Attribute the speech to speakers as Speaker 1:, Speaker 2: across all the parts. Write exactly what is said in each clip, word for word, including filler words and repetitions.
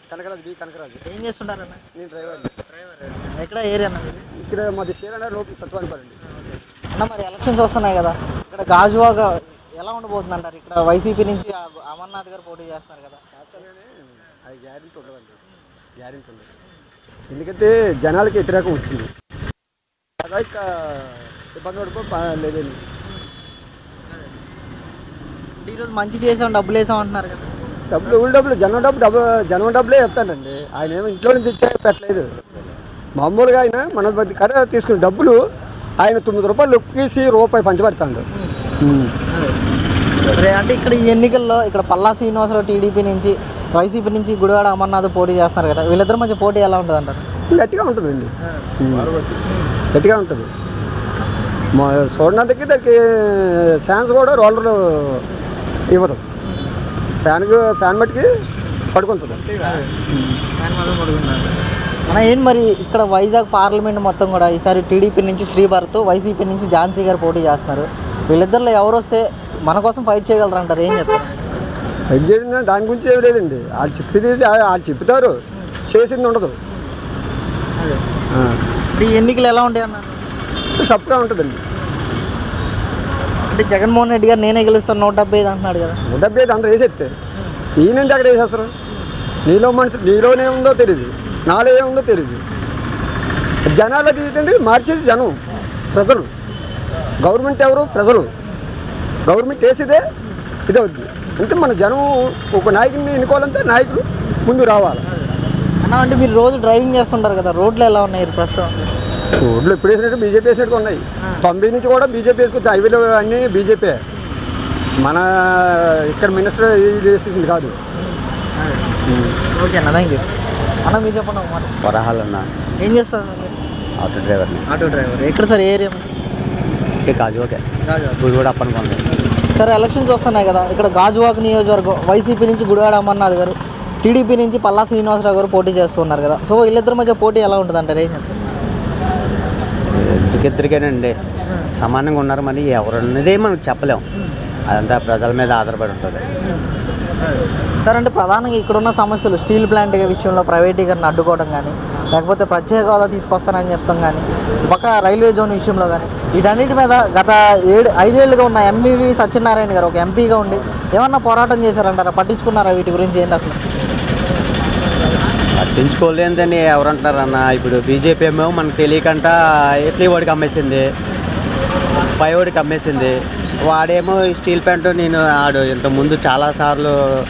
Speaker 1: Kanakaraju B Kanakaraju.
Speaker 2: ఏం చేస్తుంటారన్న?
Speaker 1: నేను driver.
Speaker 2: Driver ఎక్కడ ఏరియా అన్న?
Speaker 1: ఇక్కడ మాది షేర్ లోపల సత్వానిపాలండి.
Speaker 2: అన్న మరి ఎలక్షన్స్ వస్తున్నాయి కదా, ఇక్కడ గాజువాక ఎలా ఉండబోతుంది అంటారు? ఇక్కడ వైసీపీ నుంచి అమర్నాథ్ గారు పోటీ చేస్తున్నారు కదా.
Speaker 1: చేస్తారని అది గ్యారెంటీ ఉండదండి, గ్యారెంటీ ఉండదు. ఎందుకంటే జనాలకి వ్యతిరేకం వచ్చింది కదా, ఇక ఇబ్బంది పడిపో లేదండి.
Speaker 2: ఈరోజు మంచి చేసాం డబ్బులు వేసాం అంటున్నారు కదా.
Speaker 1: డబ్బులు ఊళ్ళో డబ్బులు జనం డబ్బు డబ్బు జనం డబ్బులే ఇస్తానండి. ఆయన ఏమో ఇంట్లో నుంచి తెచ్చా పెట్టలేదు. మామూలుగా ఆయన మన కడ తీసుకునే డబ్బులు ఆయన తొమ్మిది రూపాయలు లొక్కేసి రూపాయి పంచబెడతాడు.
Speaker 2: అంటే ఇక్కడ ఈ ఎన్నికల్లో ఇక్కడ పల్లా శ్రీనివాసరావు టీడీపీ నుంచి, వైసీపీ నుంచి గుడివాడ అమర్నాథ్ పోటీ చేస్తున్నారు కదా, వీళ్ళిద్దరి మధ్య పోటీ ఎలా ఉంటుంది అంటారు?
Speaker 1: గట్టిగా ఉంటుందండి, గట్టిగా ఉంటుంది. మా చూడడానికి దానికి ఛాన్స్ కూడా రోలర్ ఇవ్వదు. ఫ్యాన్కి ఫ్యాన్ బట్టికి పడుకుంటుంది.
Speaker 2: మన ఏం మరి ఇక్కడ వైజాగ్ పార్లమెంట్ మొత్తం కూడా ఈసారి టీడీపీ నుంచి శ్రీభరత్, వైసీపీ నుంచి ఝాన్సీ గారు పోటీ చేస్తున్నారు. వీళ్ళిద్దరిలో ఎవరు వస్తే మన కోసం ఫైట్ చేయగలరు అంటారు? ఏం చెప్తారు?
Speaker 1: ఫైట్ చేయడం దాని గురించి ఏమి లేదండి. వాళ్ళు చెప్పేది వాళ్ళు చెప్తారు, చేసింది ఉండదు.
Speaker 2: ఈ ఎన్నికలు ఎలా ఉంటాయి అన్నారు?
Speaker 1: సప్గా ఉంటుందండి.
Speaker 2: అంటే జగన్మోహన్ రెడ్డి గారు నేనే గెలుస్తాను నూట డెబ్బై ఐదు అంటున్నాడు కదా.
Speaker 1: నూట డెబ్బై ఐదు అందరూ వేసేస్తారు. ఈయనంటే అక్కడ వేసేస్తారు. నీలో మనిషి నీలోనే ఉందో తెలియదు, నాలో ఏముందో తెలియదు. జనాలు అది ఏంటంటే మార్చేది జనం, ప్రజలు. గవర్నమెంట్ ఎవరు? ప్రజలు. గవర్నమెంట్ వేసేదే ఇదే అవుతుంది. అంటే మన జనం ఒక నాయకుడిని ఎన్నుకోవాలంటే నాయకులు ముందు రావాలి
Speaker 2: అన్న. అంటే మీరు రోజు డ్రైవింగ్ చేస్తుంటారు కదా, రోడ్లు ఎలా ఉన్నాయి ప్రస్తుతం?
Speaker 1: రోడ్లు ఎప్పుడు వేసినట్టు బీజేపీ వేసినట్టు ఉన్నాయి. తొంభై నుంచి కూడా బీజేపీ వేసుకొచ్చి హైవేలు అన్నీ బీజేపీ. మన ఇక్కడ మినిస్టర్ ఇది వేసేసింది కాదు.
Speaker 2: ఓకే అన్న, థ్యాంక్ యూ అన్న. మీరు చెప్పండి ఒక మాట.
Speaker 3: వరహాల్ అన్న.
Speaker 2: ఏం చేస్తారు?
Speaker 3: ఆటో డ్రైవర్ని.
Speaker 2: Auto driver. ఎక్కడ సార్ ఏరియా?
Speaker 3: గాజువాకే. గుడివాడ అప్పనుకోండి.
Speaker 2: సరే ఎలక్షన్స్ వస్తున్నాయి కదా, ఇక్కడ గాజువాక నియోజకవర్గం వైసీపీ నుంచి గుడివాడ అమర్నాథ్ గారు, టీడీపీ నుంచి పల్లా శ్రీనివాసరావు గారు పోటీ చేస్తున్నారు కదా. సో వీళ్ళిద్దరి మధ్య పోటీ ఎలా ఉంటుంది అంటారు? ఏం చెప్తారు?
Speaker 3: ఇద్దరికిద్దరికేనండి, సమానంగా ఉన్నారు. మరి ఎవరు ఉన్నదే మనం చెప్పలేం, అదంతా ప్రజల మీద ఆధారపడి ఉంటుంది.
Speaker 2: సార్ అంటే ప్రధానంగా ఇక్కడున్న సమస్యలు స్టీల్ ప్లాంట్ విషయంలో ప్రైవేటీకరణ అడ్డుకోవడం కానీ, లేకపోతే ప్రత్యేక హోదా తీసుకొస్తానని చెప్తాం కానీ, పక్క రైల్వే జోన్ విషయంలో కానీ, వీటన్నిటి మీద గత ఏడు ఐదేళ్లుగా ఉన్న ఎంవివి సత్యనారాయణ గారు ఒక ఎంపీగా ఉండి ఏమన్నా పోరాటం చేశారంటారా? పట్టించుకున్నారా వీటి గురించి? ఏంటి అసలు?
Speaker 3: పట్టించుకోలేదని ఎవరంటారన్న. ఇప్పుడు బీజేపీ ఏమో మనకు తెలియకంట ఇడ్లీ వాడికి అమ్మేసింది, పై వాడికి అమ్మేసింది. వాడేమో స్టీల్ ప్లాంట్ నేను ఆడు ఇంతకుముందు చాలాసార్లు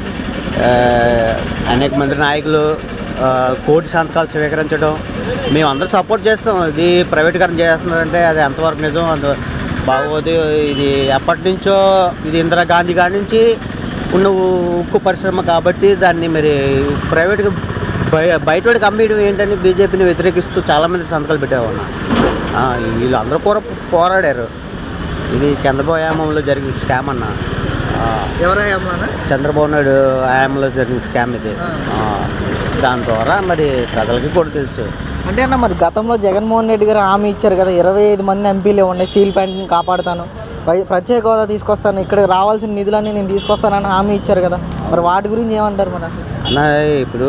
Speaker 3: అనేక మంది నాయకులు కోటి సంతకాలు స్వీకరించడం మేము అందరూ సపోర్ట్ చేస్తాం. ఇది ప్రైవేటీకరణ చేస్తున్నారంటే అది ఎంతవరకు నిజం, అంత బాగోదు. ఇది ఎప్పటి నుంచో ఇది ఇందిరాగాంధీ కాడి నుంచి ఉన్న ఉక్కు పరిశ్రమ కాబట్టి దాన్ని మరి ప్రైవేట్గా బయ బయటవాడికి అమ్మేయడం ఏంటని బీజేపీని వ్యతిరేకిస్తూ చాలామంది సంతకాలు పెట్టేవాళ్ళు. వీళ్ళు అందరూ కూడా పోరాడారు. ఇది చంద్రబాబు హయాంలో జరిగిన స్కామ్ అన్న.
Speaker 2: ఎవరు?
Speaker 3: చంద్రబాబు నాయుడు హయాంలో జరిగిన స్కామ్ ఇది. దాని ద్వారా మరి ప్రజలకి కూడా తెలుసు.
Speaker 2: అంటే అన్న మరి గతంలో జగన్మోహన్ రెడ్డి గారు హామీ ఇచ్చారు కదా, ఇరవై ఐదు మంది ఎంపీలు ఉన్నాయి, స్టీల్ ప్లాంట్ని కాపాడుతాను, ప్రత్యేక హోదా తీసుకొస్తాను, ఇక్కడికి రావాల్సిన నిధులన్నీ నేను తీసుకొస్తానని హామీ ఇచ్చారు కదా, మరి వాటి గురించి ఏమంటారు? మన
Speaker 3: అన్న ఇప్పుడు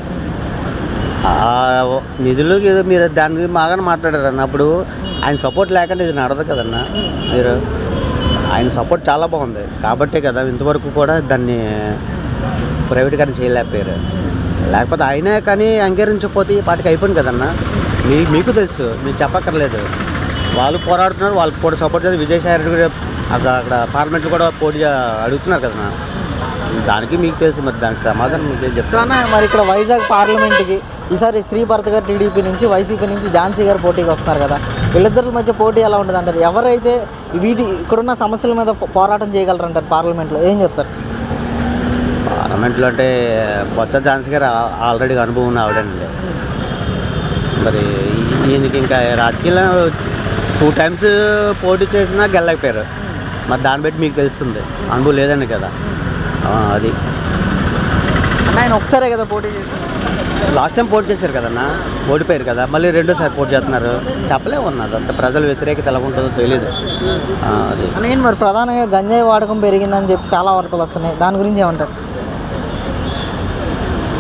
Speaker 3: నిధులు మీరు దాని గురించి బాగానే మాట్లాడారు అన్న. అప్పుడు ఆయన సపోర్ట్ లేకుండా ఇది నడదు కదన్న. మీరు ఆయన సపోర్ట్ చాలా బాగుంది కాబట్టే కదా ఇంతవరకు కూడా దాన్ని ప్రైవేటీకరణ చేయలేకపోయారు. లేకపోతే ఆయనే కానీ అంగీకరించకపోతే ఈ పాటికి అయిపోయింది కదన్న. మీ మీకు తెలుసు, మీరు చెప్పక్కర్లేదు. వాళ్ళు పోరాడుతున్నారు, వాళ్ళకి కూడా సపోర్ట్ చేస్తారు. విజయసాయి రెడ్డి కూడా అక్కడ అక్కడ పార్లమెంట్లో కూడా పోటీ అడుగుతున్నారు కదన్న. దానికి మీకు తెలుసు, మరి దానికి సమాధానం మీకు ఏం చెప్తాను.
Speaker 2: మరి ఇక్కడ వైజాగ్ పార్లమెంట్కి ఈసారి శ్రీభరత్ గారు టీడీపీ నుంచి, వైసీపీ నుంచి ఝాన్సీ గారు పోటీకి వస్తున్నారు కదా, వీళ్ళిద్దరి మధ్య పోటీ ఎలా ఉంటుంది అంటారు? ఎవరైతే వీటి ఇక్కడున్న సమస్యల మీద పోరాటం చేయగలరు అంటారు పార్లమెంట్లో? ఏం చెప్తారు?
Speaker 3: పార్లమెంట్లో అంటే బొత్స ఝాన్సీ గారు ఆల్రెడీ అనుభవం ఉన్న ఆవిడండి. మరి ఈయనకి ఇంకా రాజకీయాల్లో టూ టైమ్స్ పోటీ చేసినా గెలలేకపోయారు. మరి దాన్ని బట్టి మీకు తెలుస్తుంది, అనుభవం లేదండి కదా. అది
Speaker 2: ఆయన ఒకసారే కదా పోటీ చేశారు.
Speaker 3: లాస్ట్ టైం పోటీ చేశారు కదన్నా, ఓడిపోయారు కదా, మళ్ళీ రెండోసారి పోటీ చేస్తున్నారు. చెప్పలేము ఉన్నది అంత ప్రజల వ్యతిరేకత ఎలా ఉంటుందో తెలియదు. అది
Speaker 2: నేను మరి ప్రధానంగా గంజాయి వాడకం పెరిగిందని చెప్పి చాలా వార్తలు వస్తున్నాయి, దాని గురించి ఏమంటారు?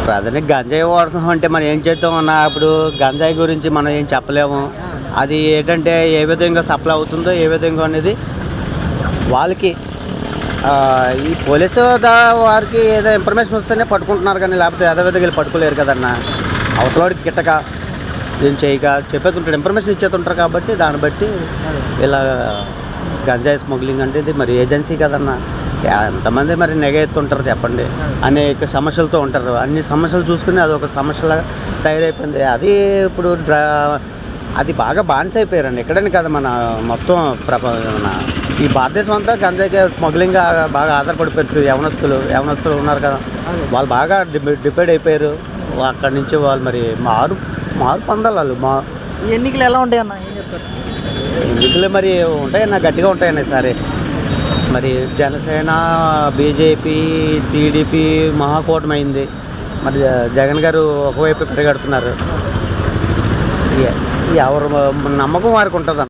Speaker 3: ప్రధాని గంజాయి వాడకం అంటే మనం ఏం చేద్దాం అన్న, ఇప్పుడు గంజాయి గురించి మనం ఏం చెప్పలేము. అది ఏంటంటే ఏ విధంగా సప్లై అవుతుందో ఏ విధంగా అనేది వాళ్ళకి ఆ, ఈ పోలీసు దా వారికి ఏదో ఇన్ఫర్మేషన్ వస్తేనే పట్టుకుంటున్నారు, కానీ లేకపోతే ఏదో విధంగా వీళ్ళు పట్టుకోలేరు కదన్న. అవతలవాడికి గిట్టక ఏం చేయక చెప్పేస్తుంటాడు, ఇన్ఫర్మేషన్ ఇచ్చేస్తుంటారు. కాబట్టి దాన్ని బట్టి ఇలా గంజాయి స్మగ్లింగ్ అంటే ఇది మరి ఏజెన్సీ కదన్న. ఎంతమంది మరి నెగ ఎత్తుంటారు చెప్పండి, అనేక సమస్యలతో ఉంటారు. అన్ని సమస్యలు చూసుకుని అది ఒక సమస్యలా తయారైపోయింది. అది ఇప్పుడు డ్రా అది బాగా బాన్స్ అయిపోయారండి. ఎక్కడని కదా మన మొత్తం ప్రప మన ఈ భారతదేశం అంతా గంజాయికి స్మగ్లింగ్ బాగా ఆధారపడిపోతుంది. యవనస్తులు యవనస్తులు ఉన్నారు కదా, వాళ్ళు బాగా డిపెండ్ అయిపోయారు. అక్కడి నుంచి వాళ్ళు మరి మారు మారు పొందాలి వాళ్ళు. మా
Speaker 2: ఈ ఎన్నికలు ఎలా ఉంటాయి అన్న, ఏం చెప్తారు?
Speaker 3: ఎన్నికలు మరి ఉంటాయన్న, గట్టిగా ఉంటాయన్న సరే. మరి జనసేన, బీజేపీ, టీడీపీ మహాకూటమి అయింది. మరి జగన్ గారు ఒకవైపు పరిగెడుతున్నారు. ఎవరు నమ్మకం వారికి ఉంటుంది.